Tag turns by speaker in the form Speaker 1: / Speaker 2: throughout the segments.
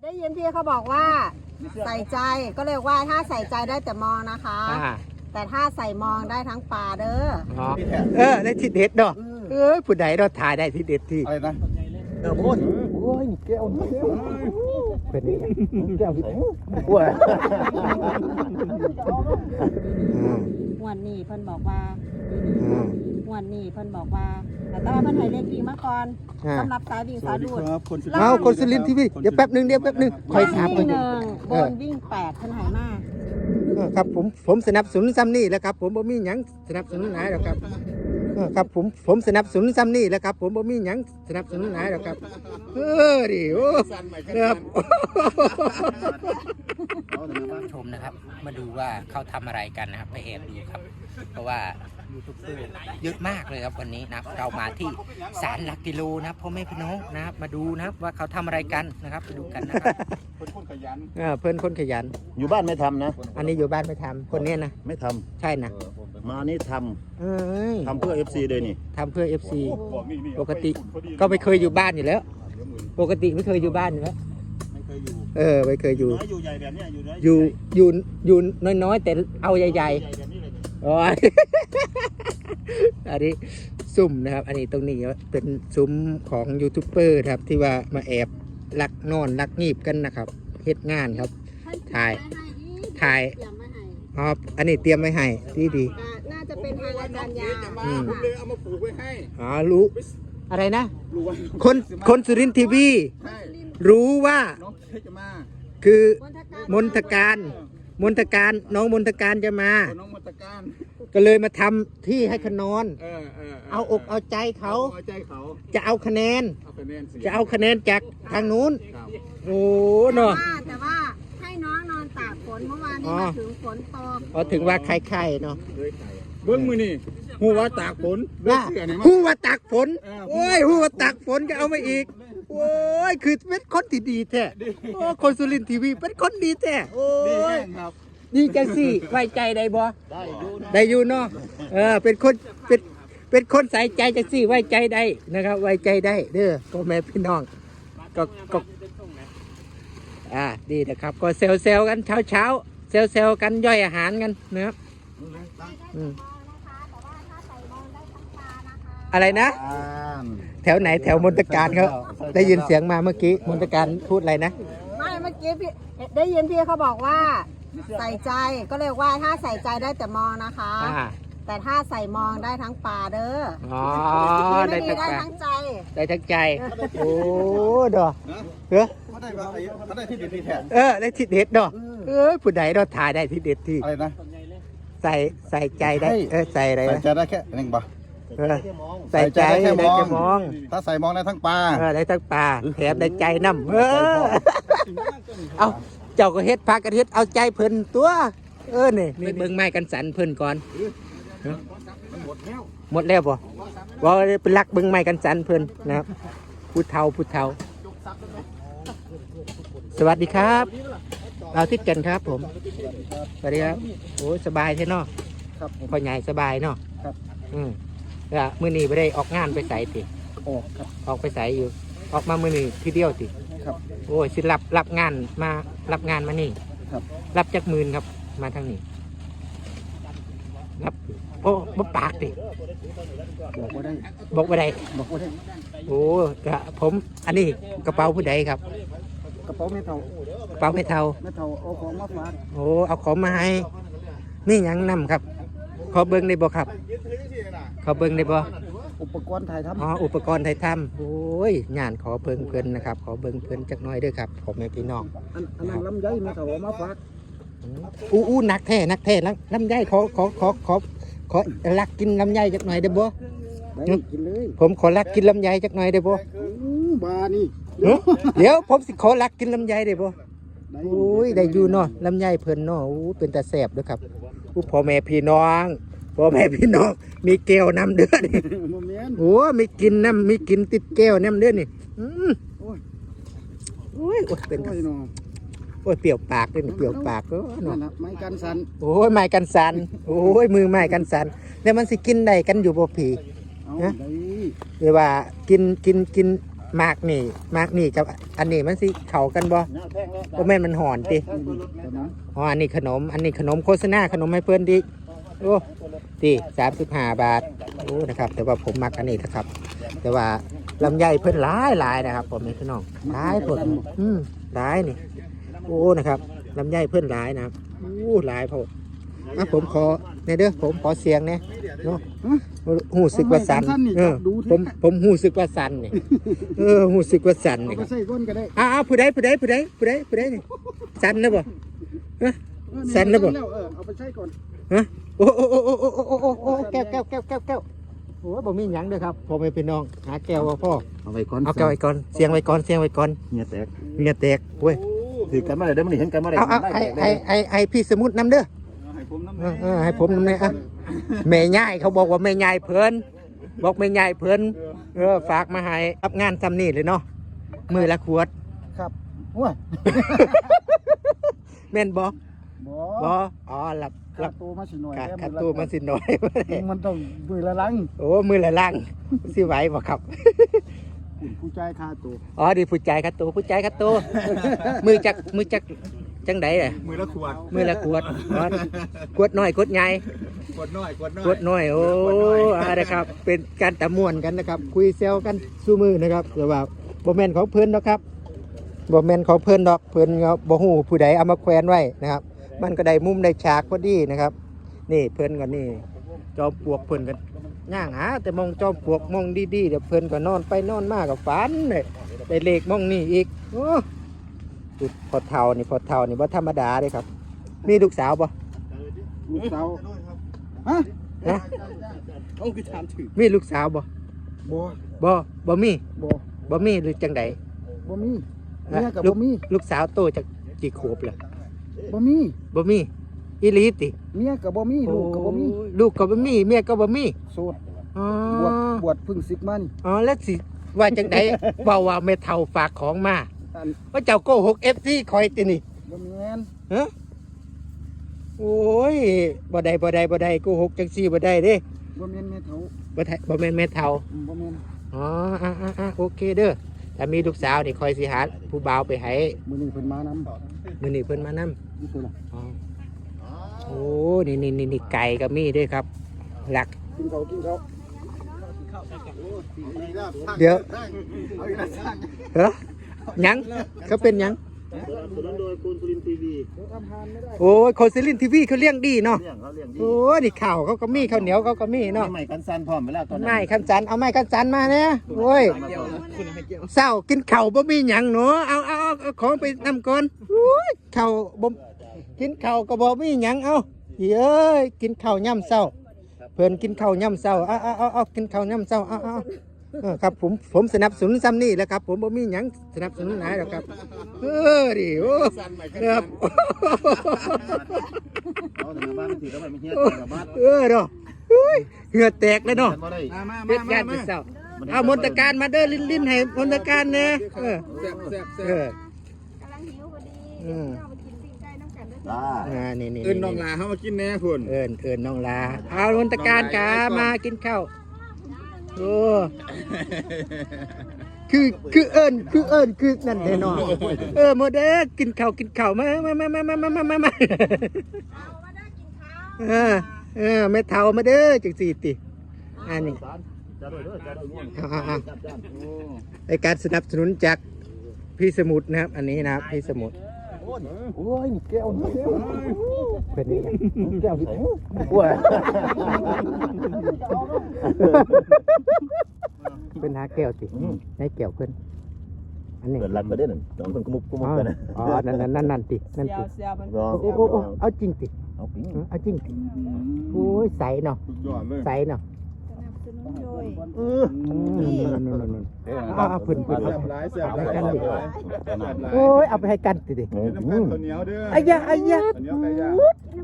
Speaker 1: ได้ยินพี่เขาบอกว่าใส่ใจก็เลยว่าถ้าใส่ใจได้แต่มองนะคะ แต่ถ้าใส่มองได้ทั้งปลาเด้อ
Speaker 2: ได้ที่เด็ดเนาะผู้ใดเราถ่ายได้ที่เด็ดที่
Speaker 3: อะไรนะ
Speaker 2: พ่นโอ้ยแก้วเป็นแก้วที่ไหนว้า
Speaker 1: วันนี้เพิ่นบอกว่าวันนี้เพิ่นบอกว่าแต่ว่าเพิ่นให้เลขวิ่งมาก่อนสำหรับสายวิ่งสายดูด
Speaker 2: เอาคนสุรินทร์ทีวีเดี๋ยวแป๊บนึงคอยถาม
Speaker 1: วิ่ง1บนวิ่ง8เพิ่นให้มา
Speaker 2: ครับผมสนับสนุนซ้ำนี่แหล้วครับผมบ่มีหยังสนับสนุนหลายหรอกครับครับผมสนับสนุนซ้ำนี่แหล้วครับผมบ่มีหยังสนับสนุนหลายหรอกครับดิโอ้ครับชมนะครับมาดูว่าเขาทำอะไรกันนะครับไปแอบดูครับเพราะว่ายูทูบเบอร์เยอะมากเลยครับวันนี้นะครับเรามาที่ศาลหลักกิโลนะครับพ่อแม่พี่น้องนะครับมาดูนะครับว่าเขาทำอะไรกันนะครับไปดูกันนะครับเพื่อนคนขยัน
Speaker 3: อยู่บ้านไม่ทำนะ
Speaker 2: อันนี้อยู่บ้านไม่ทำคนนี้นะ
Speaker 3: ไม่ทำ
Speaker 2: ใช่นะ
Speaker 3: มานี่ทำเพื่อ FC เลยนี่
Speaker 2: ทำเพื่อ FC ปกติก็ไม่เคยอยู่บ้านอยู่แล้วปกติไม่เคยอยู่บ้านอยู่แล้ว
Speaker 3: ไม่เคยอยู่
Speaker 2: ไม่เคยอยู่
Speaker 3: น้อยอยู่ใหญ่แบบเนี้ยอยู่น้อย
Speaker 2: อยู่น้อยๆแต่เอาใหญ่ๆ
Speaker 3: แบบนี้เลย
Speaker 2: โอ้ย อันนี้ซุ้มนะครับอันนี้ตรงนี้เป็นซุ้มของยูทูบเบอร์ครับที่ว่ามาแอบลักนอนลักงีบกันนะครับเฮ็ดงานครับถ่ายอ๋ออันนี้เตรียมไว้ให้ดี
Speaker 1: น่าจะเป็นทางอาจารย์ยา
Speaker 3: ผมเลยเอามาปลูกไว้ให้
Speaker 2: อ๋อรู้อะไรนะ
Speaker 3: รู้ว่า
Speaker 2: คนสุรินทร์ทีวีรู้ว่า
Speaker 3: น้องจะมา
Speaker 2: คือมนทการน้องมนทการจะมา
Speaker 3: น้องมตการ
Speaker 2: ก็เลยมาทำที่ให้เขานอน เอาอกเอาใจเขา จะเอาคะแนนจากทางนู้นโอ้เนาะ
Speaker 1: แต่ว่าให้น้องนอนตากฝนเมื่อวานนี้มาถึงฝนตก
Speaker 2: พอถึงว่าไข่เนาะ
Speaker 3: เบื้องมือนี่หัวตากฝน
Speaker 2: หัวตากฝนโอ้ยหัวตากฝนก็เอามาอีกโอ้ยคือเป็นคนที่ดีแท้โอ้คนสุรินทร์ทีวีเป็นคนดีแท้โอ้ยดีจังสิไว้ใจได้บ่ได้อยู่เนาะเป็นคนใส่ใจจังสิไว้ใจได้นะครับไว้ใจได้เด้อพ่อแม่พี่น้องก็ดีนะครับก็เซลกันเช้าเซลกันย่อยอาหารกันนะครับอะไรนะแถวไหนแถวมนตการเขาได้ยินเสียงมาเมื่อกี้มนตการพูดอะไรนะ
Speaker 1: ไม่เมื่อกี้พี่ได้ยินพี่เขาบอกว่าใส่ใจก็เลยว่าถ้าใส่ใจได้แต่มองนะคะแต่ถ้าใส่มองได้ทั้งปลาเด้อได้ทั้งใจ
Speaker 2: ได้ทั้งใจโอ้ดอก
Speaker 3: ได้ที่เด็ดที่แท้
Speaker 2: ได้ที่เด็ดดอกผู้ใดเราถ่ายได้ที่เด็ดที่
Speaker 3: อะไรนะ
Speaker 2: ใส่ใจได้ใส่อะไร
Speaker 3: ใส่ใจได้แค่หนึ่งบ่
Speaker 2: ใส่ใจได้แค่มอง
Speaker 3: ถ้าใส่มองได้ทั้งปลา
Speaker 2: ได้ทั้งปลาแถมได้ใจน้ำเอาเจ้าก็เฮ็ดพากันเฮ็ดเอาใจเพิ่นตัวนี่เบิ่งไม้กันสันเพิ่นก่อนหมดแล้วบ่ว่าเป็นลักเบิ่งไม้กันสันเพิ่นนะครับผู้เฒ่าสวัสดีครับเราทิศกันครับผมสวัสดีครับโอ้สบายใช่เนาะพ่อใหญ่สบายเนาะมื้อนี้ไม่ได้ออกงานไปใส่ติออกไปใส่อยู่ออกมามื้อนี้ทีเดียวติโอ้ยสิรับงานมานี่รับจักหมื่นครับมาทางนี้รับโอ้บ่ปากติบอกว่าได้โอ้กระผมอันนี้กระเป๋าผู้ใดครับ
Speaker 3: กระเป๋าไม่เท่าเอาของมาฝาก
Speaker 2: โอ้เอาของมาให้นี่ยังนำครับขอเบิ้งได้บ่ครับขอเบิ้งได้บ่
Speaker 3: อุปกรณ์ถ่ายทำ
Speaker 2: อุปกรณ์ถ่ายทำโอ้ยงานขอเบิ้งเพิ่นนะครับขอเบิ้งเพิ่นจักหน่อยด้วยครับผมแม่พี่น้อง
Speaker 3: อันนั้นลำไยไม่เท่าเอามาฝาก
Speaker 2: อู้นักแท้ลำไยขอลักกินลำไยจักหน่อยได้บ่
Speaker 3: กินเลย
Speaker 2: ผมขอลักกินลำไยจักหน่อยได้บ่
Speaker 3: บานี่
Speaker 2: เดี๋ยวผมสิขอลักกินลำไยได้บ่โอ้ยได้อยู่เนาะลำไยเพิ่นเนาะเป็นตาแซ่บด้วยครับพ่อแม่พี่น้องมีแก้วน้ำเดือดนี่โอ้มีกินน้ำมีกินติดแก้วน้ำเดือดนี่โอ้ยเป็นโอ้ยเปรี้ยวปากเลยเปรี้ยวปากก็
Speaker 3: เนาะไม้กันสัน
Speaker 2: โอ้ยไม้กันสันโอ้ยมือไม้กันสันแล้วมันสิกินได้กันอยู่บ่ผีนะเดี๋ยวว่ากินมากนี่กับอันนี้มันสิเข้ากันบ่บ่แม่นมันหอนติอ๋ออันนี้ขนมโฆษณาขนมให้เพิ่นดิโอ้ติ35 บาทโอ้นะครับแต่ว่าผมมักอันนี้นะครับ แต่ว่าลำไยเพิ่นหลายนะครับผมนี่พี่น้องหลายผลหลายนี่โอ้นะครับลำไยเพิ่นหลายนะครับโอ้หลายโพดผมขอในเด้อผมขอเสียงเนี่ยเนาะหูสึกว่าสั่นผมหูสึกว่าสั่นนี่หูสึกว่าสั่นนี่
Speaker 3: ไปใส่ก้นก็ได้
Speaker 2: ผู้ใดนี่สั่นนะบ่สั่นนะบ่
Speaker 3: เอาไปใส่ก่อน
Speaker 2: ฮะโอ้แก้วโอ้บ่มีหยังเด้อครับพ่อแม่พี่น้องหาแก้วว่าพ่อ
Speaker 3: เอาไว้ก่อน
Speaker 2: เอาแก้วไว้ก่อนเสียงไว้ก่อน
Speaker 3: เงียแตก
Speaker 2: เงียแตกเว้ย
Speaker 3: ถือกันมาเลยได้มันเห็นกันมาเลย
Speaker 2: เอาให้พี่สมุดนำเด้อให้ผมนำเนี่ยแม่ยายเขาบอกว่าแม่ยายเพิ่นบอกแม่ยายเพิ่นฝากมาให้รับงานซ้ำนี่เลยเนาะมือละขวด
Speaker 3: ครับโอ้ย
Speaker 2: แม่นบ่
Speaker 3: บ่
Speaker 2: บ่อ๋อรับ
Speaker 3: ตัวมาสิหน่อย
Speaker 2: ขัดตัวมาสิหน่อย
Speaker 3: มันต้องมือละลัง
Speaker 2: โอ้มือละล่างสิไหวบ่ครับ
Speaker 3: ผู้ใจคาตัว
Speaker 2: อ๋อดีผู้ใจขัดตัวมือจักจังได๋
Speaker 3: มือละขวด
Speaker 2: มือละขวดขวดน้อยขวดใหญ่
Speaker 3: ขวดน้อย
Speaker 2: ขวดน้อยโอ้นะครับเป็นการตะม่วนกันนะครับคุยเซลกันสู้มือนะครับแต่ว่าบ่แม่นของเพิ่นดอกครับบ่แม่นของเพิ่นดอกเพิ่นก็บ่ฮู้ผู้ใดเอามาแขวนไว้นะครับมันก็ได้มุมได้ฉากพอดีนะครับนี่เพิ่นก็นี่จอมปลวกเพิ่นก็ย่างหาแต่มองจอมปลวกมองดีๆเดี๋ยวเพิ่นก็นอนไปนอนมาก็ฝันได้เลขมองนี่อีกโอ้พอเท่านี่บ่ธรรมดาเด้ครับมีลูกสาวบ่
Speaker 3: ลูกสาวฮะ
Speaker 2: นะ
Speaker 3: ต้องคือถามถือ
Speaker 2: มีลูกสาวบ่
Speaker 3: บ่
Speaker 2: บ่มี
Speaker 3: บ่
Speaker 2: บ่มีหรือจังใด
Speaker 3: บ่มีเมียกับบ่มี
Speaker 2: ลูกสาวโตจากกี่ขวบล่ะ
Speaker 3: บ่มี
Speaker 2: บ่มีอีหลีติ
Speaker 3: เมียกับบ่มีลูกกับบ่มี
Speaker 2: ลูกก็บ่มีเมียก็บ่มี
Speaker 3: โสด
Speaker 2: อ๋อบ
Speaker 3: วชพึ่งศึกมานี่
Speaker 2: อ๋อแล้วสิว่าจังใด เว้าว่าแม่เฒ่าฝากของมา
Speaker 3: อัน
Speaker 2: ว่าเจ้าโกหก FC คอยตินี่
Speaker 3: บ่แม่น
Speaker 2: ฮะโอ้ยบ่ได้โกหกจังซี่บ่ได้เด้
Speaker 3: บ่แม่นแม่เฒ่า
Speaker 2: บ่แม่นแม่เฒ่า
Speaker 3: บ่แม่น
Speaker 2: อ๋อโอเคเด้อถ้ามีลูกสาวนี่คอยสิหาผู้บ่าวไปให้
Speaker 3: มื้อนี้เพิ่นมานำ
Speaker 2: มื้อนี้เพิ่นมานำ
Speaker 3: นี่คือล่ะ
Speaker 2: อ๋อโอ้นี่ไก่ก็มีด้วยครับ หลัก
Speaker 3: กินข้าว
Speaker 2: เดี๋ยวเหรอยังเขาเป็นยัง
Speaker 3: สนับสนุนโดยคุณสุรินทร์ทีวีทำทานไม่ได้
Speaker 2: โอ้ยคนซิลินทีวีเขาเลี้ยงดีเนาะ
Speaker 3: เลี้ยงเขาเลี้ยงดี
Speaker 2: โอ้ยนี่ข้าวเขาก็มีข้าวเหนียวเขาก็มีเนาะ
Speaker 3: ใหม่กันซันพร้อมเวลาตอนนั้น
Speaker 2: ไม้คันจันเอาไม้คันจันมาเนี่ยโอ้ยเศร้ากินข้าวบ่มีหยังหนูเอาของไปนำก่อนโอ้ยข้าวบ่กินข้าวก็บ่มีหยังเอาเฮ้ยกินข้าวย่ำเศร้าเพิ่นกินข้าวย่ำเศร้าเอากินข้าวย่ำเศร้าเอาครับผมสนับสนุนซ้ำนี่แหละครับ ผมบ่มีหยังสนับสนุนไหนหรอกครับดิโอ้ครับ
Speaker 3: เอาแต่บ้านถือแล้วไม่เฮี้ยกับบ้าน
Speaker 2: เนาะเหงื่อแตกเลยเนาะ
Speaker 3: มาได้
Speaker 2: เป็ดยานเป็ดเศร้าเอามนตการมาเด้อลิ้นให้มนตการเนี่ย
Speaker 1: กำลังหิวพอดีเอาไปกินปิ้งไก่น้ำกันด้วย
Speaker 2: นี่
Speaker 3: เอิ้นน้องลาเฮามากินแน่พุ่น
Speaker 2: เอิญน้องลาเอามนตการกามากินข้าวโอ้คือเอิญคือนั่นแน่นอนโมเดลกินข้าวมาไม่เท่ามาเด้อจังสี่ติอันนี้ในการสนับสนุนจากพี่สมุทรนะครับอันนี้นะครับพี่สมุทร
Speaker 3: โอ้ยแก้ว
Speaker 2: เป็นยังไง
Speaker 3: แก้วที่อ้วน
Speaker 2: เป็นหาแก้วสิให้แก้วเพื่อนอันนี้
Speaker 3: เปิดรันมาได้หนึ่งน้องคนกุมุกกันนะ
Speaker 2: อ๋อนั่นติเอาจริงติ
Speaker 3: เอาปิ้ง
Speaker 2: เอาจริงติโอ้ยใสเนาะใสเนาะ
Speaker 1: สนับสนุนโดย
Speaker 2: เอาเพื่อนเอาไปกันดิโอ้ยเอาไปให้กันติดิ
Speaker 4: ข้าวเหนียวเด้อ
Speaker 2: ไอ้ยะ
Speaker 4: ข้าวเหนียวไก่ย่าง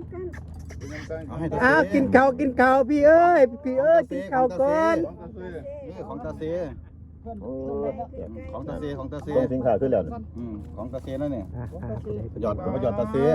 Speaker 2: กินข้าวพี่เอ้ยกินข้าวก่อน
Speaker 3: นี่ของตาเซ
Speaker 4: ของตาเซของตาเซ
Speaker 5: ต้องสินค้าขึ้นแล้ว
Speaker 4: ของตาเซนั่นเนี่ย
Speaker 2: หยอด
Speaker 4: มาหยอดตาเซ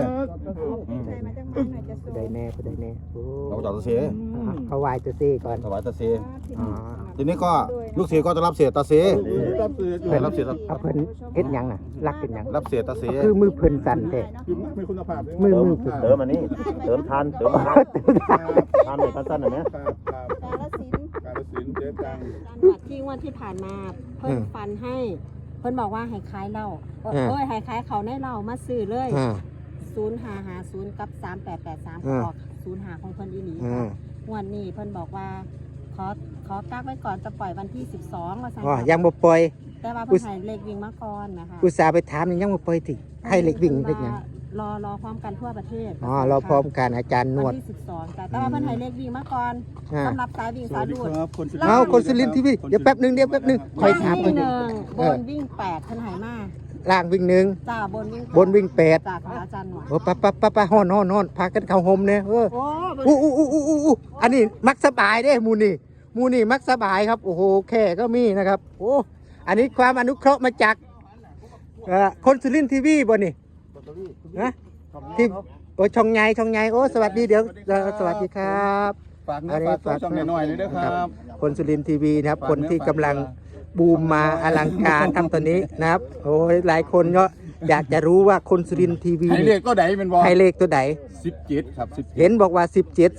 Speaker 2: ผู้ใดแน่ผู้ใดแน่โอ้
Speaker 4: เราหยอดตาเซ
Speaker 2: เขาไหว้ตัวซี่ก่อน
Speaker 4: ถวายตาเซ
Speaker 2: อ๋อ
Speaker 4: ทีนี้ก็ลูกเสียก็จะรับเศษตาเซรับเศษ
Speaker 2: รับเพิ่นเฮ็ดหยังน่ะรักเป็นหยัง
Speaker 4: รับเศษตาเซ
Speaker 2: คือมือเพิ่นสั่นแท้
Speaker 4: มีคุณภาพ
Speaker 2: มือ
Speaker 5: เติมอันนี้เติมทานเติมทานทานในขั้นสั้นหน่อยไหม
Speaker 4: การสินเจ๊ตัง
Speaker 1: ที่วันที่ผ่านมาเพิ่นฟันให้เพิ่นบอกว่าให้ขายเหล้าให้ขายเขาในเหล้ามาซื้อเลย0550กับ3883ออก05ของเพิ่นอีหลีค่ะงวดนี้เพิ่นบอกว่าขอกักไว้ก่อนจะปล่อยวันที่12ว่าซั่น
Speaker 2: อ๋อยังบ่ปล่อย
Speaker 1: แต่ว่าเพิ่นให้เลขวิ่งมาก่อนนะคะ
Speaker 2: อุตส่าห์ไปถามยังบ่ปล่อยติให้เล็กวิ่งเล็กหยัง
Speaker 1: รอพร้อมกันทั่วประเทศ
Speaker 2: อ๋อเราพร้อมกันอาจารย์นว
Speaker 1: วั
Speaker 2: ด
Speaker 1: นที่12จ้ะแต่ว่าเพิ่นให้เลขวิ่งมาก่อนสำหรับสายวิ่งสายดูด
Speaker 2: เอาคนสุรินทร์ทีวีเดี๋ยวแป๊บหนึงคอยถาม
Speaker 1: วิ่
Speaker 2: เพิ่
Speaker 1: ง
Speaker 2: น
Speaker 1: 1บนวิ่ง8เพิ่นให้มา
Speaker 2: ล่างวิ่งหนึ่ง
Speaker 1: จ้าบนวิ่ง
Speaker 2: บนวิ่ง8
Speaker 1: จ้าของอาจารย์หน่อย
Speaker 2: โอ้ปะฮ้อนพากันเข้าห่มเนี่ย
Speaker 1: โอ้
Speaker 2: อู้อันนี้มักสบายเด้หมูนี่มักสบายครับโอ้โหแค่ก็มีนะครับโอ้อันนี้ความอนุเคราะห์มาจากคนสุรินทร์ทีวีบ่นี่นะที่โอ้ช่องใหญ่โอ้สวัสดีเดี๋ยวสวัสดีครับ
Speaker 4: ฝากเนื้อฝากตัวช่องหน่อยเลยนะครับ
Speaker 2: คนสุรินทร์ทีวีนะครับคนที่กำลังบูมมาอลังการทำตัวนี้นะครับโอ้ยหลายคนก็อยากจะรู้ว่าคนสุรินทร์ทีวี
Speaker 4: ให้เลขก็ไหนเป็นบอล
Speaker 2: ให้เลขตัวไหน
Speaker 4: 17ครับ17
Speaker 2: เห็นบอกว่า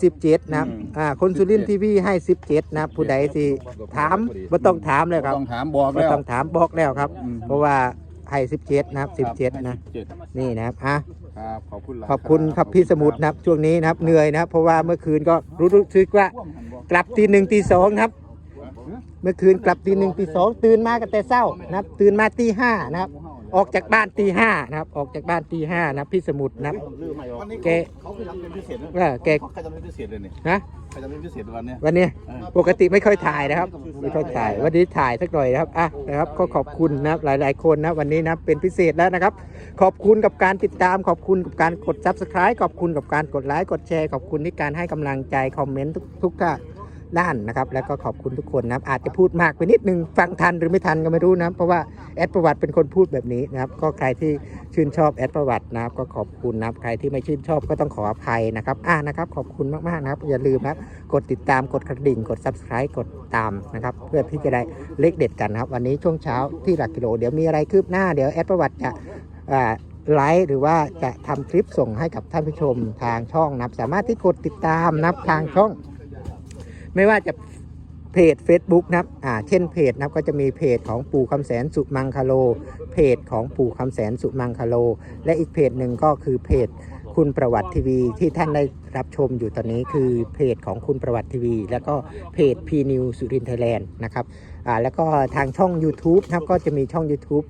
Speaker 2: 17นะครับคนสุรินทร์ทีวีให้17นะครับผู้ใดสิถามบ่ต้องถามเลยครับ
Speaker 4: ต้องถามบอก
Speaker 2: บ่
Speaker 4: แล้ว
Speaker 2: ต้องถามบอกแล้วครับ
Speaker 4: อืม
Speaker 2: เพราะว่าให้17นะครับ17นะ
Speaker 4: 17
Speaker 2: นี่นะครับ
Speaker 4: ครับขอบคุณ
Speaker 2: ขอบคุณครับพี่สมุทรนะครับช่วงนี้นะครับเหนื่อยนะครับเพราะว่าเมื่อคืนก็รู้สึกว่ากลับตี 1ตี 2ครับเมื่อคืนกลับตี 1ตี 2ตื่นมากันแต่เช้านะครับตื่นมาตี 5นะครับออกจากบ้านตี 5นะครับออกจากบ้านตี 5นะครับพี่สมุทรนะครับ
Speaker 4: วันนี้
Speaker 2: แก
Speaker 4: เขาคือทำเป็นพิเศษนะ
Speaker 2: แก
Speaker 4: ใครทำเป็นพิเศษเลยเนี่ย
Speaker 2: นะ
Speaker 4: ใครทำเป็นพิเศษวันเนี้ย
Speaker 2: วันนี้ปกติไม่ค่อยถ่ายนะครับไม่ค่อยถ่ายวันนี้ถ่ายสักหน่อยนะครับนะครับก็ขอบคุณนะครับหลายๆคนนะวันนี้นะเป็นพิเศษแล้วนะครับขอบคุณกับการติดตามขอบคุณกับการกด Subscribe ขอบคุณกับการกดไลค์กดแชร์ขอบคุณที่การให้กำลังใจคอมเมนต์ทุกด้านนะครับแล้วก็ขอบคุณทุกคนนะครับอาจจะพูดมากไปนิดนึงฟังทันหรือไม่ทันก็ไม่รู้นะเพราะว่าแอดประวัติเป็นคนพูดแบบนี้นะครับก็ใครที่ชื่นชอบแอดประวัตินะครับก็ขอบคุณนะครับใครที่ไม่ชื่นชอบก็ต้องขออภัยนะครับนะครับขอบคุณมากๆนะครับอย่าลืมนะกดติดตามกดกระดิ่งกด Subscribe กดตามนะครับเพื่อที่จะได้เลขเด็ดกันนะครับวันนี้ช่วงเช้าที่หลักกิโลเดี๋ยวมีอะไรคืบหน้าเดี๋ยวแอดประวัติจะไลฟ์หรือว่าจะทำคลิปส่งให้กับท่านผู้ชมทางช่องนะครับสามารถที่กดติดตามนะครับทางช่องไม่ว่าจะเพจ Facebook นะครับเช่นเพจนะครับก็จะมีเพจของปู่คำแสนสุมังคโลเพจของปู่คำแสนสุมังคโลและอีกเพจหนึ่งก็คือเพจคุณประวัติทีวีที่ท่านได้รับชมอยู่ตอนนี้คือเพจของคุณประวัติทีวีแล้วก็เพจ P New สุรินทร์ไทยแลนด์นะครับแล้วก็ทางช่อง YouTube นะครับก็จะมีช่อง YouTube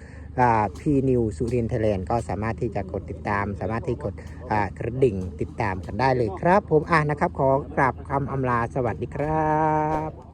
Speaker 2: P New สุรินทร์ไทยแลนด์ก็สามารถที่จะกดติดตามสามารถที่กดกระดิ่งติดตามกันได้เลยครับผมนะครับขอกราบคำอำลาสวัสดีครับ